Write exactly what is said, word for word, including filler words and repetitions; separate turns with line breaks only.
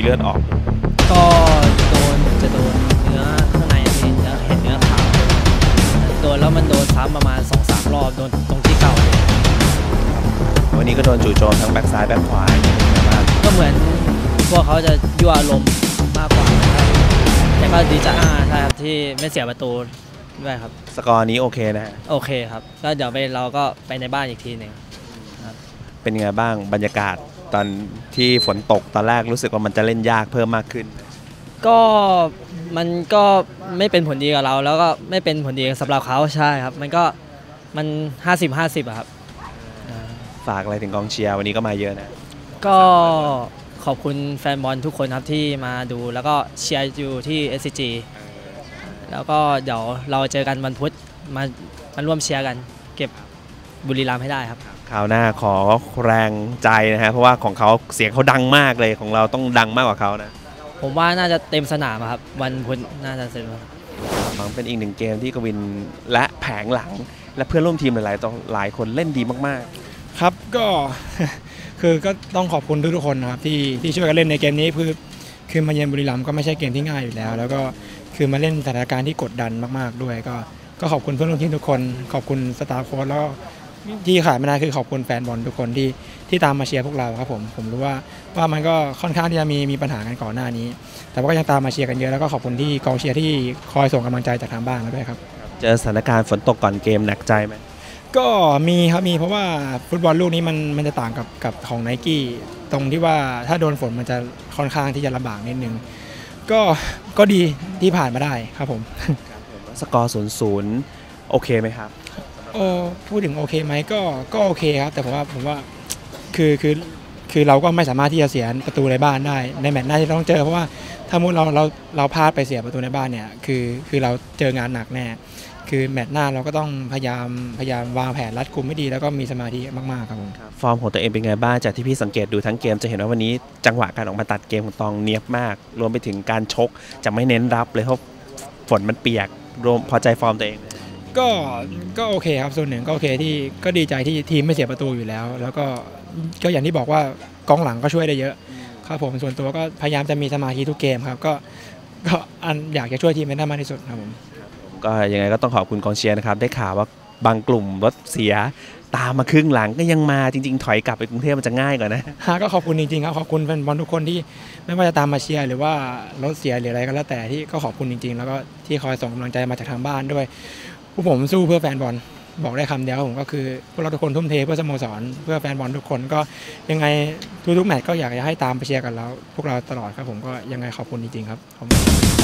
ลือดออก
ก็โดนจะโดนเนื้อข้างในนี่จะเห็นเนื้อขาวโดนแล้วมันโดนซ้ำประมาณ สองสาม รอบโดนตรงที่เก่าเลย
วันนี้ก็โดนจู่โจมทั้งแบ็กซ้ายแบ็กขวา
ก็เหมือนพวกเขาจะยั่วลมมากกว่าแต่ก็ดีจ้าใช่ครับที่ไม่เสียประตูด้วยครับ
สกอร์นี้โอเคนะฮะ
โอเคครับก็เดี๋ยวไปเราก็ไปในบ้านอีกทีหนึ่ง
เป็นยังไงบ้างบรรยากาศตอนที่ฝนตกตอนแรกรู้สึกว่ามันจะเล่นยากเพิ่มมากขึ้น
ก็มันก็ไม่เป็นผลดีกับเราแล้วก็ไม่เป็นผลดีสำหรับเขาใช่ครับมันก็มัน ห้าสิบ ห้าสิบ อะครับ
ฝากอะไรถึงกองเชียร์วันนี้ก็มาเยอะนะ
ก็ขอบคุณแฟนบอลทุกคนครับที่มาดูแล้วก็เชียร์อยู่ที่ เอส ซี จี แล้วก็เดี๋ยวเราเจอกันวันพุธมามาร่วมเชียร์กันเก็บบุรีรัมย์ให้ได้ครับ
คราวหน้าขอแรงใจนะฮะเพราะว่าของเขาเสียงเขาดังมากเลยของเราต้องดังมากกว่าเขานะ
ผมว่าน่าจะเต็มสนามครับวันพุธน่าจะเต็ม
มันเป็นอีกหนึ่งเกมที่กวินและแผงหลังและเพื่อนร่วมทีมหลายๆต่อหลายคนเล่นดีมาก
ๆครับก็คือก็ต้องขอบคุณทุกๆคนนะครับที่ที่ช่วยกันเล่นในเกมนี้คือคือมาเยือนบุรีรัมย์ก็ไม่ใช่เกมที่ง่ายอยู่แล้วแล้วก็คือมาเล่นสถานการณ์ที่กดดันมากๆด้วยก็ก็ขอบคุณเพื่อนร่วมทีมทุกคนขอบคุณสตาฟโค้ชแล้วที่ขาดไม่ได้คือขอบคุณแฟนบอลทุกคนที่ที่ตามมาเชียร์พวกเราครับผมผมรู้ว่าว่ามันก็ค่อนข้างที่จะมีมีปัญหากันก่อนหน้านี้แต่ว่าก็ยังตามมาเชียร์กันเยอะแล้วก็ขอบคุณที่กองเชียร์ที่คอยส่งกำลังใจจากทางบ้านด้วยครับ
เจอสถานการณ์ฝนตกก่อนเกมหนักใจไหม
ก็มีครับมีเพราะว่าฟุตบอลลูกนี้มันมันจะต่างกับกับของไนกี้ตรงที่ว่าถ้าโดนฝนมันจะค่อนข้างที่จะลำบากนิดนึงก็ก็ดีที่ผ่านมาได้ครับผม
สกอร์ศูนย์ศูนย์โอเคไหมครับ
โอ้พูดถึงโอเคไหมก็ก็โอเคครับแต่ผมว่าผมว่าคือคือคือเราก็ไม่สามารถที่จะเสียประตูในบ้านได้ในแมตช์หน้าที่ต้องเจอเพราะว่าถ้ามุดเราเราเราพลาดไปเสียประตูในบ้านเนี่ยคือคือเราเจองานหนักแน่คือแมตช์หน้าเราก็ต้องพยายามพยายามวางแผนรัดกุมให้ดีแล้วก็มีสมาธิมากๆครับผม
ฟอร์มของตัวเองเป็นไงบ้างจากที่พี่สังเกตดูทั้งเกมจะเห็นว่าวันนี้จังหวะการออกมาตัดเกมของตองเนียบมากรวมไปถึงการชกจะไม่เน้นรับเลยเพราะฝนมันเปียกรวมพอใจฟอร์มตัวเอง
ก็ก็โอเคครับส่วนหนึ่งก็โอเคที่ก็ดีใจที่ทีมไม่เสียประตูอยู่แล้วแล้วก็ก็อย่างที่บอกว่ากองหลังก็ช่วยได้เยอะครับผมส่วนตัวก็พยายามจะมีสมาธิทุกเกมครับก็ก็อันอยากจะช่วยทีมให้ได้มากที่สุดครับผม
ก็ยังไงก็ต้องขอบคุณกองเชียร์นะครับได้ข่าวว่าบางกลุ่มรถเสียตามมาครึ่งหลังก็ยังมาจริงๆถอยกลับไปกรุงเทพมันจะง่ายกว่านะ
ก็ขอบคุณจริงๆครับขอบคุณแฟนบอลทุกคนที่ไม่ว่าจะตามมาเชียร์หรือว่ารถเสียหรืออะไรก็แล้วแต่ที่ก็ขอบคุณจริงๆแล้วก็ที่คอยส่งกำลังใจมาจากทางบ้านด้วยพวกผมสู้เพื่อแฟนบอลบอกได้คำเดียวผมก็คือพวกเราทุกคนทุ่มเทเพื่อสโมสรเพื่อแฟนบอลทุกคนก็ยังไงทุกๆแมตช์ก็อยากจะให้ตามไปเชียร์กันแล้วพวกเราตลอดครับผมก็ยังไงขอบคุณจริงๆครับ